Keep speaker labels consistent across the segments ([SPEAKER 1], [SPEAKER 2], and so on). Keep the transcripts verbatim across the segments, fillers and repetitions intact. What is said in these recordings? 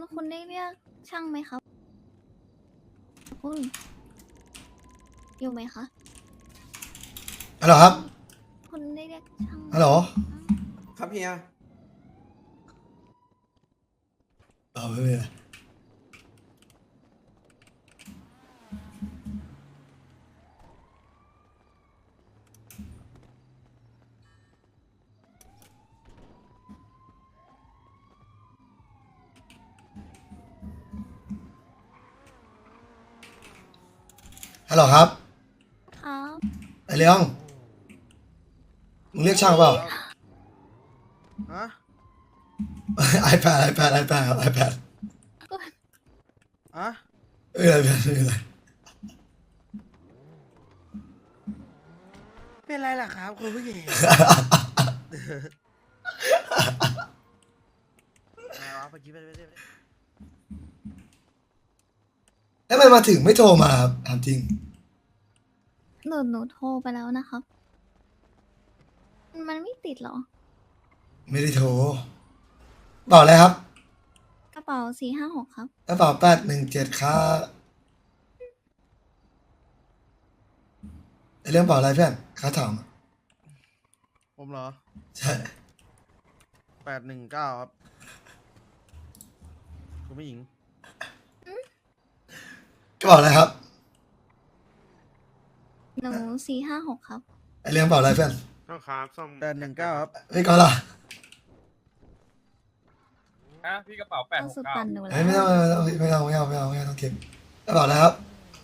[SPEAKER 1] คุณได้เรียกช่างไหมครับคุณอยู่ไหมคะ
[SPEAKER 2] ฮัลโหลครับ
[SPEAKER 1] คุณได้เรียกช่างไหม
[SPEAKER 2] ฮัลโหล
[SPEAKER 3] ครับเฮีย
[SPEAKER 2] เออไม่เป็นไรฮัลโหลครับ
[SPEAKER 1] ครับ
[SPEAKER 2] ไอเลี้ยงมึงเรียกช่างเปล่า
[SPEAKER 3] ฮะ
[SPEAKER 2] iPad iPad iPad ครับ iPad
[SPEAKER 3] อะ
[SPEAKER 2] เออ iPad ไม่เป็นไร
[SPEAKER 3] เป็นไรล่ะครับคุณผู้หญิงอะไรวะเมื่อกี้ไม่ได้ไม่ได้ไม่ได้
[SPEAKER 2] แล้วมันมาถึงไม่โทรมาครับถามจริง
[SPEAKER 1] หนูหนูโทรไปแล้วนะครับ มันไม่ติดเหรอ
[SPEAKER 2] ไม่ได้โทรบอกอะไรครับ
[SPEAKER 1] กระเป๋าสี่ห้าหกครับ
[SPEAKER 2] กระเป๋าแปดหนึ่งเจ็ดครับไอเรื่องเปล่าอะไรเพื่อนค้าถาม
[SPEAKER 3] ผมเหรอ
[SPEAKER 2] ใช่
[SPEAKER 3] แปดหนึ่งเก้าครับคุณผู้หญิง
[SPEAKER 2] กระเป๋าอะไรครับ
[SPEAKER 1] หนูสี่ห้าหกครับ
[SPEAKER 2] ไอเรื่องเปล่าอะไรเพื่อน
[SPEAKER 4] ต้องครับส้ม
[SPEAKER 3] แปดหนึ่งเก้าครับ
[SPEAKER 2] ไม่ก็ล่ะ
[SPEAKER 4] ฮะพี่กระเป๋าแปด
[SPEAKER 1] เอา
[SPEAKER 4] หก
[SPEAKER 1] สุด
[SPEAKER 4] เก้า
[SPEAKER 1] ปั่นหนูแล้
[SPEAKER 2] เฮ้ยไม่ต้อง
[SPEAKER 1] ว
[SPEAKER 2] ไม่ต้องไม่เอาไม่เอาไม่เอาไม่เอาต้องเก็บกระเป๋าอะไรครับ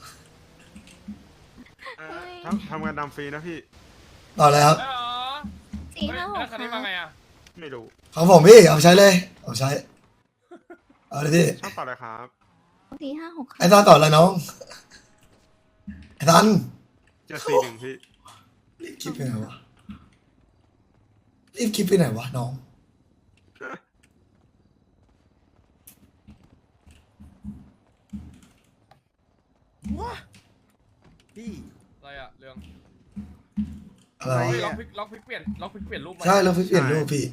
[SPEAKER 4] ทำทำงานดำฟรีนะพี่
[SPEAKER 2] กระเป๋าอะไรครับ
[SPEAKER 4] แล้วเหรอ
[SPEAKER 1] สี่ห้าหก
[SPEAKER 4] แล้ว
[SPEAKER 1] ค
[SPEAKER 4] คัน
[SPEAKER 1] รั
[SPEAKER 4] นี้
[SPEAKER 1] บ
[SPEAKER 4] มาไงอ่ะ ไม่รู้
[SPEAKER 2] ของผมพี่เอาไปใช้เลยเอาไปใช้เอาเลยพี่
[SPEAKER 4] ช่างต่อเลยครับ
[SPEAKER 1] สี่ห้าหกค
[SPEAKER 2] ไอ้
[SPEAKER 1] รับ
[SPEAKER 2] ตอนต่ออะไรน้องไอ้ตัน
[SPEAKER 4] เจ็ดสี่หนึ่งพี่
[SPEAKER 2] รีบคิดไปไหนวะรีบคิดไปไหนวะน้อง
[SPEAKER 3] ว้าพี่
[SPEAKER 4] อะไรอ่ะเรื่อง
[SPEAKER 2] อะไร
[SPEAKER 3] อะไร
[SPEAKER 4] เฮ้ย
[SPEAKER 2] วะ
[SPEAKER 4] ล็อกพลิกล็อกพลิกเปลี่ยนล็อกพลิกเปลี่ยนรูปมา
[SPEAKER 2] ใช่เราเพิ่งเปลี่ยนรูปพี่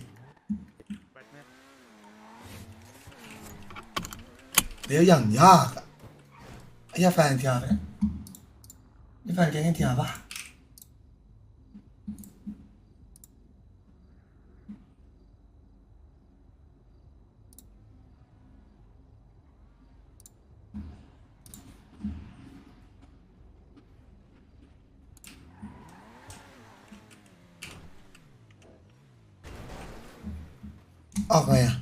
[SPEAKER 2] เดี๋ยวอย่างยากอะไอ้ยาแฟนเทียเนี่ยนี่แฟนแกงเทียปะออกไงอะ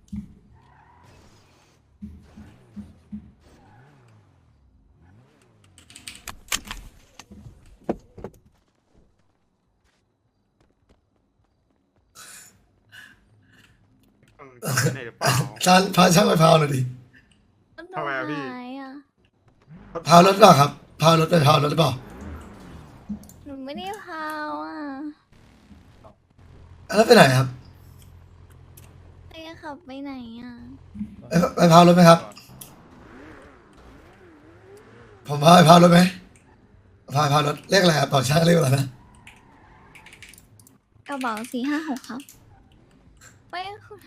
[SPEAKER 4] ต้องใช้ในหรือเปล่า
[SPEAKER 2] ช่างพาช่างไปพาวหน่อยดิ
[SPEAKER 1] หนู
[SPEAKER 4] ทำไมอะพี่
[SPEAKER 1] หายอ่ะ
[SPEAKER 2] พาวรถเปล่าครับพาวรถไปพาวรถหรือเปล่า
[SPEAKER 1] หนูไม่ได้พาวอ่ะ
[SPEAKER 2] แล้วไปไหนครับ
[SPEAKER 1] ไปขับไปไหนอ่ะ
[SPEAKER 2] ไปไปพาวรถไหมครับ ผมพาไปพาวรถไหมพาไปพาวรถเลขอะไรครับบอกช่างเลขอะไรนะ
[SPEAKER 1] กระเป๋าสี่ห้าหกครับไม่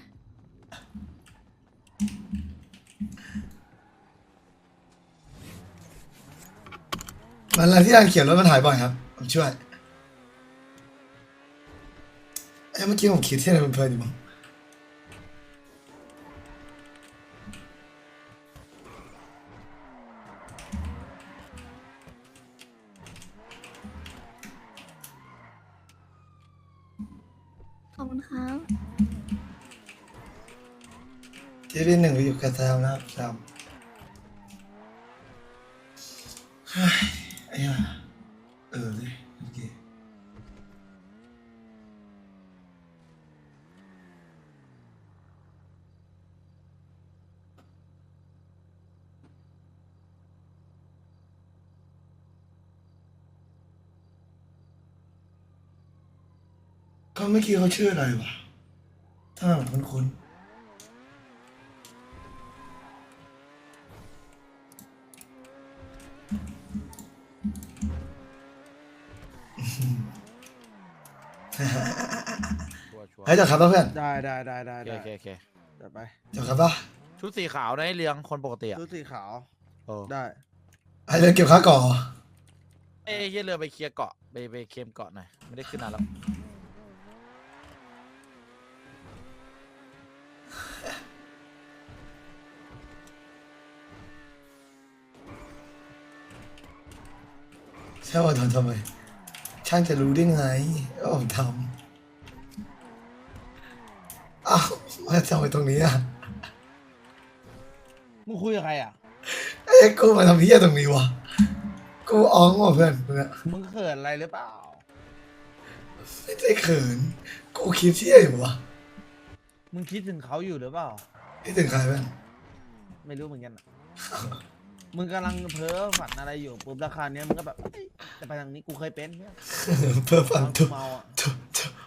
[SPEAKER 2] มันอะไรที่ร้านเขียนรถมันหายบ่อยครับผมช่วยเอ้ยเมื่อกี้ผมคิดที่ไหนมันเพลินอยู่มั้ง
[SPEAKER 1] ขอบคุณครับ
[SPEAKER 2] ที่พี่หนึ่งไปอยู่กับแซมนะครับแซมเฮ้ยไอ้ห่าเออเลยโอเคก็เมื่อกี้เขาชื่ออะไรวะถ้าเหมือนคุ้นๆ
[SPEAKER 5] ชัวร์ชัวร์
[SPEAKER 2] เฮ้ยจบครับป่ะเพื่อน
[SPEAKER 3] ได้ได้ได้ได้
[SPEAKER 5] โอเค
[SPEAKER 3] ได้
[SPEAKER 5] โอเคโอเค
[SPEAKER 3] เดี๋ยวไป
[SPEAKER 2] จบครับป่ะ
[SPEAKER 5] ชุดสีขาวนะไอ้เรืองคนปกติอ่ะ
[SPEAKER 3] ชุดสีขาว
[SPEAKER 5] โอ้
[SPEAKER 3] ได้
[SPEAKER 2] ไอ้เรื่องเก็บค่าก่อ
[SPEAKER 5] เอ้ยเหี้ยเรือไปเคลียร์เกาะไปไปเคลมเกาะหน่อยไม่ได้ขึ้นนานแล้ว
[SPEAKER 2] ใช่ว่าทำทำไม ช่างจะรู้ได้ไงว่าผมทำอ้าวมาทำไมตรงนี้อ่ะ
[SPEAKER 3] มึงคุยกับใครอ่ะ
[SPEAKER 2] ไอ้ยกูมาทำเพี้ยตรงนี้วะกูอ้องว่ะเพื่อนมึงอะ
[SPEAKER 3] มึงเขินอะไรหรือเปล่า
[SPEAKER 2] ไม่ได้เขิน กูคิดเที่ยอยู่วะ
[SPEAKER 3] มึงคิดถึงเขาอยู่หรือเปล่า
[SPEAKER 2] คิดถึงใครเพื่อน
[SPEAKER 3] ไม่รู้เหมือนกันอะ มึงกำลังเพ้อฝันอะไรอยู่ปุ๊บราคาเนี้ยมึงก็แบบเอ้ยจะไปทางนี้กูเคยเป็นเนี่ย
[SPEAKER 2] เพื่อฟัง
[SPEAKER 3] ตอน
[SPEAKER 2] ทุ
[SPEAKER 3] กู
[SPEAKER 2] ก
[SPEAKER 3] เมาอ่ะ
[SPEAKER 2] ทุกทุก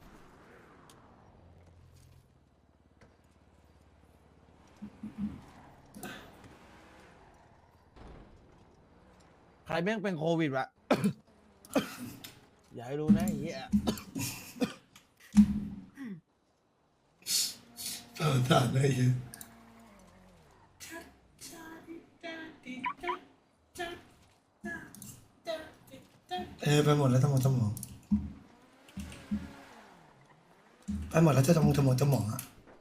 [SPEAKER 3] ใครแม่งเป็นโควิดวะ อย่าให้รู้นะไอ้เหี้ย
[SPEAKER 2] สงสารเลยเยอะเออไปหมดแล้วทั้งหมดทั้งหมดไปหมดแล้วจะทั้งหมดทั้งหมดทั้งหมดอะ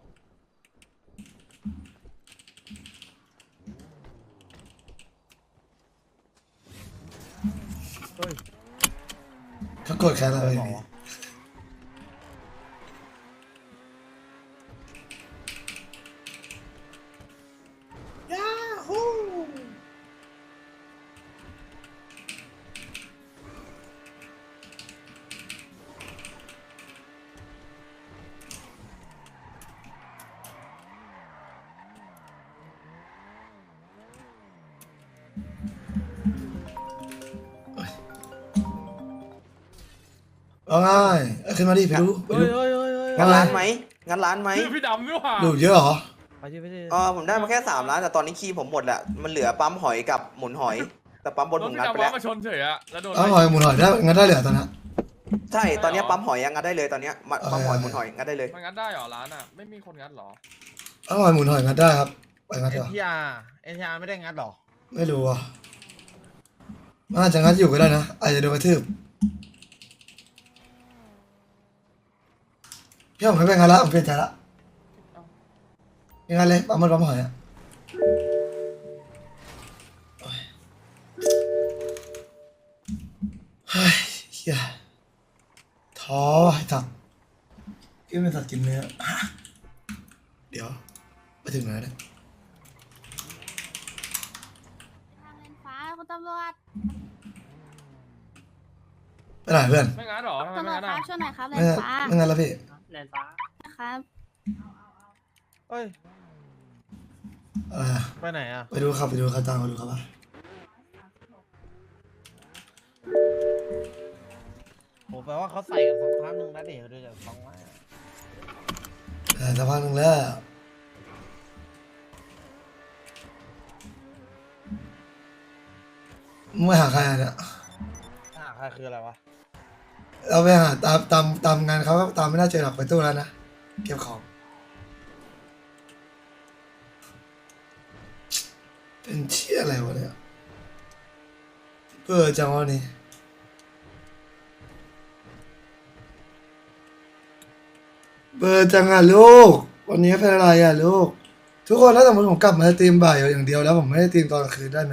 [SPEAKER 3] เฮ้ย
[SPEAKER 2] เขาโกรธแค้นอะไร
[SPEAKER 3] บอก
[SPEAKER 2] พี่
[SPEAKER 3] วะ
[SPEAKER 2] ว่าไงเอ้ยขึ้นมาดิไปดูไป
[SPEAKER 3] เฮ้
[SPEAKER 2] ดู
[SPEAKER 3] ยเฮ้ยเฮ้ยเฮ้ย
[SPEAKER 2] ว่า
[SPEAKER 6] งั้น
[SPEAKER 2] ไง
[SPEAKER 6] ร้านไหมงั้นร้านไหม
[SPEAKER 4] คือพี่ดำนี่หว่า
[SPEAKER 2] ดูเยอะเหรอ
[SPEAKER 3] ไปดิไปดิ
[SPEAKER 6] เออผมได้มาแค่สามร้านแต่ตอนนี้คีย์ผมหมดแหละมันเหลือปั๊มหอยกับหมุนหอย แต่ปั๊มบน
[SPEAKER 4] ร
[SPEAKER 6] ผ
[SPEAKER 4] ถ
[SPEAKER 6] ม
[SPEAKER 4] พี่
[SPEAKER 6] งัดไป
[SPEAKER 4] ดำ
[SPEAKER 6] แล้
[SPEAKER 4] ว่าว มาชนเฉยอะแล้วโดน
[SPEAKER 2] อ้าวหอยหมุนหอยได้งั้นได้เหลือตอนนี้
[SPEAKER 6] ใช่ตอนนี้ปั๊มหอยยังงัดได้เลยตอนเนี้ยมาปั๊มหอยหมุนหอยงัดได้เลย
[SPEAKER 4] มันงัดได้เหรอร้านอะไม่มีคนงัดเหรอ
[SPEAKER 2] อ้าวหอยหมุนหอยงั้นได้ครับไปงั้น
[SPEAKER 3] เอ็
[SPEAKER 2] เถ
[SPEAKER 3] น
[SPEAKER 2] อะ
[SPEAKER 3] ทีอาร์เอ็นทีอาร์ไม่ได้งัดหรอ
[SPEAKER 2] ไม่รู้อ่ะมันอาจจะงั้นอยู่ก็ได้นะอาจจะโดนกระทืบพี่ผมไม่เป็นงั้นละผมเปลี่ยนใจละยังไงเลยปั๊มมันปั๊มหอยอ่ะโอ้ยเฮ้ยเฮียท้อไอ้สัตว์กินเป็นสัตว์กินเนื้อเดี๋ยวไปถึงไหนเนี่ย
[SPEAKER 1] ทางเลนฟ้าคุณตำรวจ
[SPEAKER 2] ไปไหนเพื่อน
[SPEAKER 4] ไม่งัดเหรอทำไม
[SPEAKER 1] ตำร
[SPEAKER 4] ไม่
[SPEAKER 1] วจ
[SPEAKER 4] งัด
[SPEAKER 1] ครั
[SPEAKER 4] อะ
[SPEAKER 1] บช่วยหน่อยครับเล
[SPEAKER 2] ไม่
[SPEAKER 1] น
[SPEAKER 2] งั้น
[SPEAKER 1] ฟ้า
[SPEAKER 2] ไม่งั้นแล้วพี่
[SPEAKER 1] นะครับ
[SPEAKER 3] เฮ้ย
[SPEAKER 2] อะไรอะ
[SPEAKER 3] ไปไหนอ่ะ
[SPEAKER 2] ไปดูครับไปดูครับตามมาดูครับว่า
[SPEAKER 3] โหแปลว่าเขาใส่กันสักพักหนึ่งนะเดี๋ยวเดี๋ยวฟังว่า
[SPEAKER 2] แต่สักพักหนึ่งแล้วมึงไม่หาใครอ่ะเนี่ย
[SPEAKER 3] อ่าใครคืออะไรวะ
[SPEAKER 2] เราไปหาตามตามตามงานเขาก็ตามไม่น่าเจอหรอกไปตู้แล้วนะเก็บของเป็นเชี่ยอะไรวะเนี่ยเบื่อจังวะนี่เบื่อจังอ่ะลูกวันนี้เป็นอะไรอ่ะลูกทุกคนถ้าสมมติผมกลับมาตีมบ่ายอย่างเดียวแล้วผมไม่ได้ตีมตอนกลางคืนได้ไหม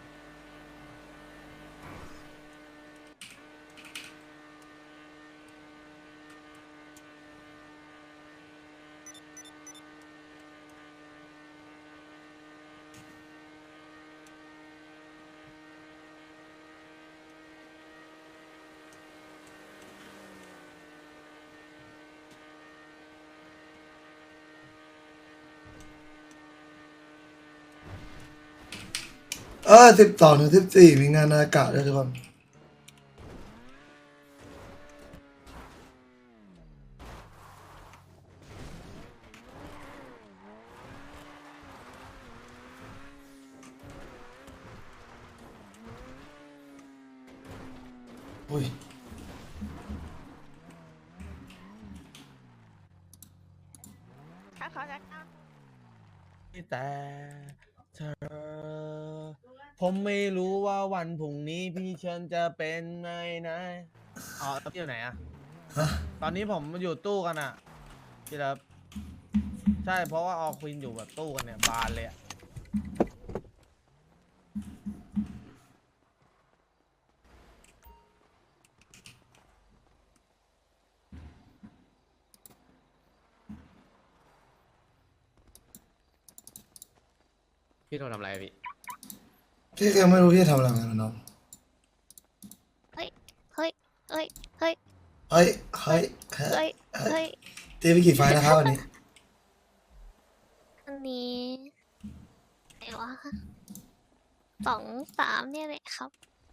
[SPEAKER 2] เออสิบสองถึงสิบสี่มีงานอากาศด้วยทุกคนอุ้ย
[SPEAKER 7] ถ้าเขาจะเข้า
[SPEAKER 3] แต่เธอ ผมไม่รู้ว่าวันพรุ่งนี้พี่เชิญจะเป็นไงนะอ๋อพี่อยู่ไหนอะ
[SPEAKER 2] ฮะ
[SPEAKER 3] ตอนนี้ผมอยู่ตู้กันอะพี่ครับใช่เพราะว่าออควินอยู่แบบตู้กันเนี่ยบานเลยอะ
[SPEAKER 7] พี่โทรทำอะไรพี่
[SPEAKER 2] พี่ก็ยังไม่รู้พี่จะทำอะไรเหมือนกันนะน้อง
[SPEAKER 1] เฮ้ย เฮ้ย เฮ้ย เฮ้ย
[SPEAKER 2] เฮ้ยเฮ้ยเฮ้ย
[SPEAKER 1] เฮ้ย เฮ้ย
[SPEAKER 2] ตีไปกี่ไฟล์นะครับวันนี้
[SPEAKER 1] อันนี้ไหนวะสองสามเนี่ยแหละครับ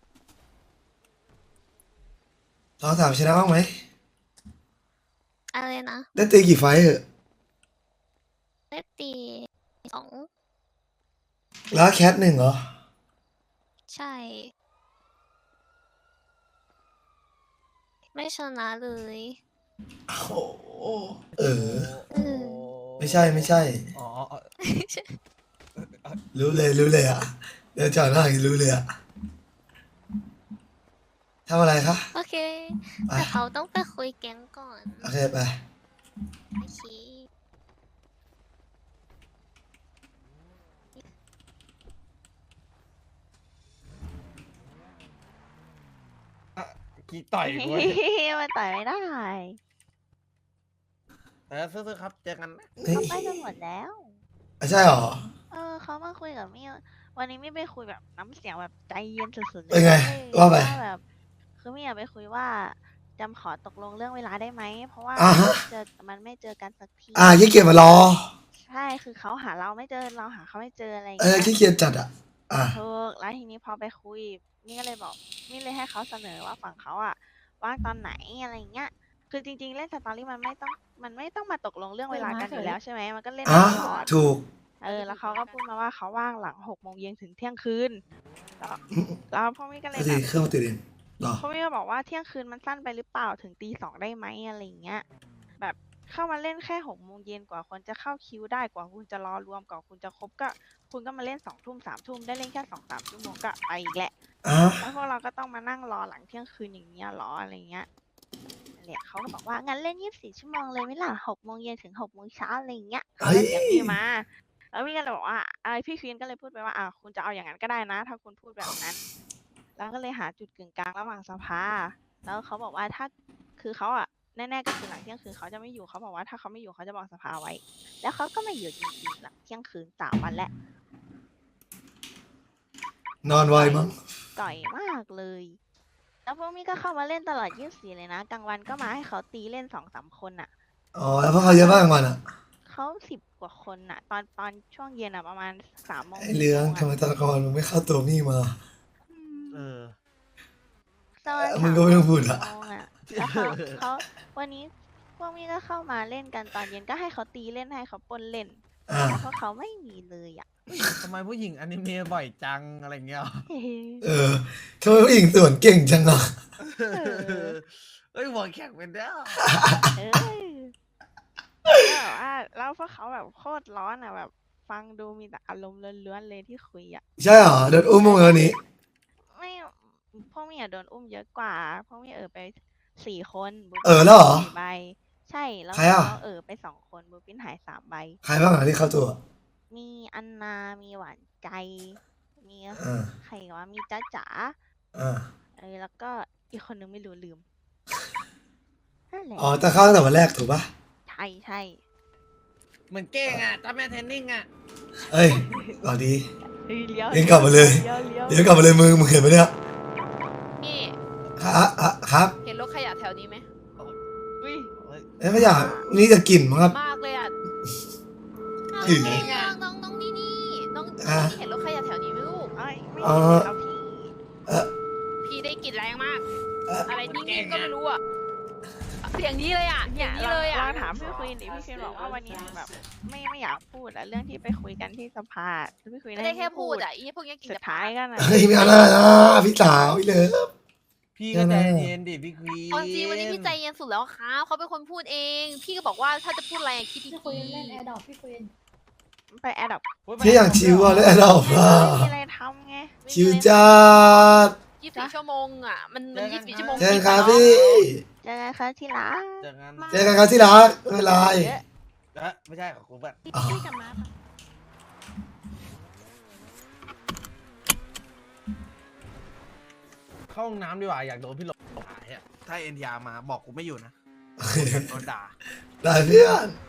[SPEAKER 2] สองสามชนะบ้างไหม
[SPEAKER 1] อะไรนะ
[SPEAKER 2] ได้ตีกี่ไฟล์เหอะ
[SPEAKER 1] ได้ตีสอง
[SPEAKER 2] แล้วแคทหนึ่งเหรอ
[SPEAKER 1] ใช่ ไม่ชนะเลย
[SPEAKER 2] โอ้โหเออ
[SPEAKER 1] เออ
[SPEAKER 2] ไม่ใช่ไม่ใช่
[SPEAKER 3] อ๋ออ๋อ
[SPEAKER 2] รู้เลยรู้เลยอ่ะ เดี๋ยวจอดหน้าอีกรู้เลยอ่ะทำอะไรคะ
[SPEAKER 1] โอเค
[SPEAKER 2] ไป
[SPEAKER 1] แต่เขาต้องไปคุยแก๊งก่อน
[SPEAKER 2] โอเคไป
[SPEAKER 1] โอเค
[SPEAKER 3] กี่ต่อยกูวะ
[SPEAKER 8] มันต่อยไม่ได้
[SPEAKER 3] เออซื้อๆครับเจอกันนะ
[SPEAKER 2] นี่
[SPEAKER 8] เขาไปกันหมดแล้ว
[SPEAKER 2] อ่ะใช่เหรอ
[SPEAKER 8] เออเขามาคุยกับมี่วันนี้มี่ไปคุยแบบน้ำเสียงแบบใจเย็นสุดๆเลย
[SPEAKER 2] เป็นไง
[SPEAKER 8] ว้ย
[SPEAKER 2] ว่าไป
[SPEAKER 8] แบบคือมี่อยากไปคุยว่าจำขอตกลงเรื่องเวลาได้ไหม เพราะว่า
[SPEAKER 2] อ่าฮะ
[SPEAKER 8] เจอมันไม่เจอกันสักที
[SPEAKER 2] อ่าขี้เกียจมารอ
[SPEAKER 8] ใช่คือเขาหาเราไม่เจอเราหาเขาไม่เจออะไรอย่าง
[SPEAKER 2] เออ
[SPEAKER 8] เงี้ย
[SPEAKER 2] ขี้เกียจจัดอ่ะ อ่า
[SPEAKER 8] ถูกแล้วทีนี้พอไปคุยมี่ก็เลยบอกมี่เลยให้เขาเสนอว่าฝั่งเขาอะว่างตอนไหนอะไรอย่างเงี้ย คือจริง ๆ เล่นสตอรี่มันไม่ต้องมันไม่ต้องมาตกลงเรื่องเวลากันอยู่แล้วใช่ไหมมันก็เล่น
[SPEAKER 2] อ่ะ
[SPEAKER 8] ได้ตลอด
[SPEAKER 2] ถูก
[SPEAKER 8] เออแล้วเขาก็พูดมาว่าเขาว่างหลังหกโมงเย็นถึงเที่ยงคืนแล้วแล้วพ่อมี่ก็เลย
[SPEAKER 2] ก็
[SPEAKER 8] แบ
[SPEAKER 2] ดี
[SPEAKER 8] บ
[SPEAKER 2] เครื่องมันติดเองเหรอ
[SPEAKER 8] พ่อมี่ก็บอกว่าเที่ยงคืนมันสั้นไปหรือเปล่าถึงตีสองได้ไหมอะไรอย่างเงี้ย แบบเข้ามาเล่นแค่หกโมงเย็นกว่าคนจะเข้าคิวได้กว่าคุณจะรอรวมกว่าคุณจะครบก็ คุณก็มาเล่นสองทุ่มสามทุ่มได้เล่นแค่สองสามชั่วโมงก็ไปอีกแหละ
[SPEAKER 2] อ่ะ
[SPEAKER 8] แล้วพวกเราก็ต้องมานั่งรอหลังเที่ยงคืนอย่างเงี้ยหรออะไรเงี้ยนั่นแหละเขาก็บอกว่างั้นเล่นยี่สิบสี่ชั่วโมงเลยไหมล่ะหกโมงเย็นถึงหกโมงเช้าอะไรอย่างเงี้ยเขา
[SPEAKER 2] เฮ้
[SPEAKER 8] ก็
[SPEAKER 2] ย
[SPEAKER 8] เสียงพี่มา แล้วพี่ก็เลยบอกว่าไอพี่ควีนก็เลยพูดไปว่าอ่าคุณจะเอาอย่างนั้นก็ได้นะ ถ้าคุณพูดแบบนั้น แล้วก็เลยหาจุดกึ่งกลางระหว่างสภา แล้วเขาบอกว่าถ้าคือเขาอ่ะแน่ๆก็คือหลังเที่ยงคืนเขาจะไม่อยู่เขาบอกว่าถ้าเขาไม่อยู่เขาจะบอกสภาไว้ แล้วเขาก็ไม่อยู่จริงๆหลังเที่ยงคืนสามวันแล้ว
[SPEAKER 2] นอนไวมั้ง
[SPEAKER 8] ต่อยมากเลย แล้วพวกมี่ก็เข้ามาเล่นตลอดยี่สิบสี่เลยนะกลางวันก็มาให้เขาตีเล่นสองสามคนอ่ะ
[SPEAKER 2] อ๋อ แล้วพวกเขาเยอะมากกลางวันอ่ะ
[SPEAKER 8] เขาสิบกว่าคนอ่ะ ตอนตอนช่วงเย็นอ่ะประมาณสามโมง
[SPEAKER 2] ไอ้เรื่อง
[SPEAKER 8] สี่
[SPEAKER 2] ทำ
[SPEAKER 8] โม
[SPEAKER 2] ไม
[SPEAKER 8] ง
[SPEAKER 2] ตอนกลางวันมึงไม่เข้าตัวมี่มา
[SPEAKER 3] เออ
[SPEAKER 8] ตอน
[SPEAKER 2] มึงก็ไม่ต้องพูดอะ
[SPEAKER 8] สามโมงอ่ะแล้วเขาเขาวันนี้พวกมี่ก็เข้ามาเล่นกันตอนเย็นก็ให้เขาตีเล่นให้เขาปนเล่น
[SPEAKER 2] อ่า
[SPEAKER 8] แต่พวกเขาไม่มีเลยอ่ะ
[SPEAKER 3] ทำไมผู้หญิงอนิเมะบ่อยจังอะไรเงี้ย
[SPEAKER 2] เออทำไมผู้หญิงสวนเก่งจังอ่ะ
[SPEAKER 3] เอ้ยหัวแข็งเป็นแล้ว
[SPEAKER 8] เออแล้วแบบว่าแล้วพวกเขาแบบโคตรร้อนอ่ะแบบ ฟังดูมีแต่อารมณ์ล้วนๆเลยที่คุยอ่ะ
[SPEAKER 2] ใช่เหรอโดนอุ้มมั้งวันนี้
[SPEAKER 8] ไม่พวกมี่อะโดนอุ้มเยอะกว่าพวกมี่เออไปสี่คนบู
[SPEAKER 2] เออแล้วเหรอ
[SPEAKER 8] สี่ใบ ใช่แล้ว
[SPEAKER 2] ใครอะ
[SPEAKER 8] น้องเออไปสองคนบูปินหายสามใบ
[SPEAKER 2] ใครบ้างอ่ะที่เข้าตัว
[SPEAKER 8] มีอันนา มีหวานใจ มี
[SPEAKER 2] อ่า
[SPEAKER 8] ใครวะมีจ้าจ๋า
[SPEAKER 2] อ่า
[SPEAKER 8] เออแล้วก็อีกคนนึงไม่รู้ลืมนั่นแหละ
[SPEAKER 2] อ๋อแต่เข้าตั้งแต่วันแรกถูกปะ
[SPEAKER 8] ใช่ใช่
[SPEAKER 3] เหมือนเก้งอ่ะตาแม่เทนนิ่งอ่ะ
[SPEAKER 2] เอ้ยหวัดดี
[SPEAKER 8] เฮ้ยเลี้ยว
[SPEAKER 2] เลี้ยวกลับมาเลย
[SPEAKER 8] เลี้ยวเลี้ยว
[SPEAKER 2] เดี๋ยวกลับมาเลยมึงมึงเห็นไหมเนี่ย
[SPEAKER 9] นี่
[SPEAKER 2] ครับอ่ะครับ
[SPEAKER 9] เห็นรถขยะแถวนี้ไหม
[SPEAKER 8] อุ้ย
[SPEAKER 2] เอ้ยไม่อยากนี่จะกลิ่นมั้งครับ
[SPEAKER 9] มากเลยอ่ะ
[SPEAKER 1] เอา
[SPEAKER 2] อืม
[SPEAKER 1] เองอะน้องน้องนี่นี่น้อง
[SPEAKER 2] อ่ะ
[SPEAKER 1] นี่เห็นรถขยะแถวนี้ไหมลูก
[SPEAKER 8] เอ้ยไม่
[SPEAKER 2] อ๋อ
[SPEAKER 8] เห็นเอาพี่
[SPEAKER 2] เออ
[SPEAKER 9] พี่ได้กลิ่นแรงมาก
[SPEAKER 2] เอ่อ
[SPEAKER 9] อะไรนิ่งๆก็ไม่รู้อ่ะ เสียงนี้เลยอ่ะ
[SPEAKER 8] เนี่ย
[SPEAKER 9] เสียงนี้
[SPEAKER 8] เรา
[SPEAKER 9] เลยอ่ะ
[SPEAKER 8] เราถามพี่ควีนดิพี่ควีนบอกว่าวันนี้แบบไม่ไม่อยากพูดอะเรื่องที่ไปคุยกันที่สภาพี่ควีน
[SPEAKER 9] ไม่ได้แค่พูดอ่ะอีพวกนี้กิน
[SPEAKER 8] สุ
[SPEAKER 9] แต่
[SPEAKER 8] ดท้ายกันนะ
[SPEAKER 2] เฮ้ยไม่เอาหน้านะพี่สาวพี่เลิฟ
[SPEAKER 3] พี่ก็ใจ
[SPEAKER 2] แน่ๆ
[SPEAKER 3] เย็นดิพี่ควีน
[SPEAKER 1] เอาจริงวันนี้พี่ใจเย็นสุดแล้วครับเขาเป็นคนพูดเอง พี่ก็บอกว่าถ้าจะพูดอะไรอะคิดดี
[SPEAKER 10] พี่ควีนเล่นแอร์ดอปพี่ควีน
[SPEAKER 8] ไปแอดดับ
[SPEAKER 2] ที่อย่างชิวอะแล้วเรา
[SPEAKER 8] ไม่
[SPEAKER 2] อะ
[SPEAKER 8] มีอะไรทำไง
[SPEAKER 2] ชิวจัด
[SPEAKER 9] ยี่สิบสี่ชั่วโมงอ่ะ มันมันยี่สิบสี่ชั่วโมง
[SPEAKER 2] เจอกันครับ
[SPEAKER 9] จงๆ
[SPEAKER 2] พี่
[SPEAKER 8] เจอกันครับที่รัก
[SPEAKER 3] เจอกัน
[SPEAKER 2] เจอกันครับที่รักไม่เป็นไร
[SPEAKER 3] เอ๊ะไม่ใช่ของกูแบบ
[SPEAKER 2] อ๋อ
[SPEAKER 8] พี่กับมาปะ
[SPEAKER 3] เข้าห้องน้ำดีกว่าอยากโดนพี่หลงหายอ่ะถ้าเอ็นทีอาร์มาบอกกูไม่อยู่นะโดนด่า
[SPEAKER 2] ได้เพื่อน